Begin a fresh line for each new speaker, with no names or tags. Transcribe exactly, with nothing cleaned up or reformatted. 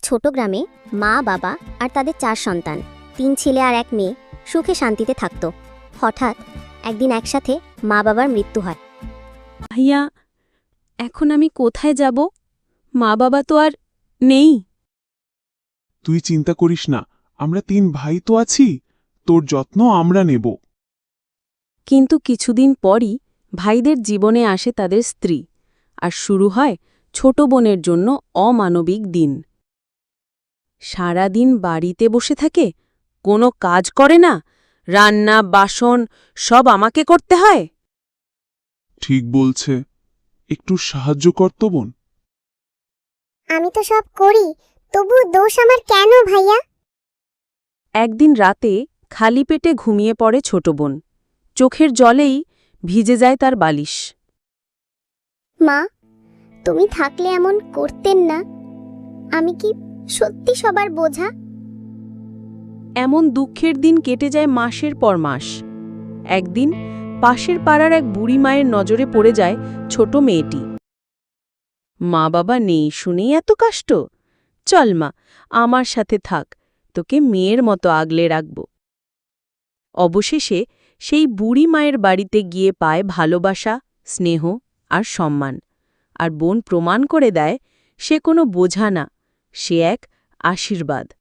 ছোট গ্রামে মা বাবা আর তাদের চার সন্তান, তিন ছেলে আর এক মেয়ে সুখে শান্তিতে থাকত। হঠাৎ একদিন একসাথে মা বাবার মৃত্যু হয়।
ভাইয়া, এখন আমি কোথায় যাব? মা বাবা তো আর নেই।
তুই চিন্তা করিস না, আমরা তিন ভাই তো আছি, তোর যত্ন আমরা নেব।
কিন্তু কিছুদিন পরই ভাইদের জীবনে আসে তাদের স্ত্রী, আর শুরু হয় ছোট বোনের জন্য অমানবিক দিন। সারাদিন বাড়িতে বসে থাকে, কোনো কাজ করে না, রান্না বাসন সব আমাকে করতে হয়।
ঠিক বলছে, একটু সাহায্য কর তো বোন।
আমি তো সব করি, তবু দোষ আমার কেন ভাইয়া?
একদিন রাতে খালি পেটে ঘুমিয়ে পড়ে ছোট বোন, চোখের জলেই ভিজে যায় তার বালিশ।
মা, তুমি থাকলে এমন করতেন না। আমি কি সত্যি সবার বোঝা?
এমন দুঃখের দিন কেটে যায় মাসের পর মাস। একদিন পাশের পাড়ার এক বুড়ি মায়ের নজরে পড়ে যায় ছোট মেয়েটি। মা বাবা নেই শুনেই এত কষ্ট? চল মা, আমার সাথে থাক, তোকে মেয়ের মতো আগলে রাখব। অবশেষে সেই বুড়ি মায়ের বাড়িতে গিয়ে পায় ভালোবাসা, স্নেহ আর সম্মান। আর বোন প্রমাণ করে দেয় সে কোনো বোঝা না, সে এক আশীর্বাদ।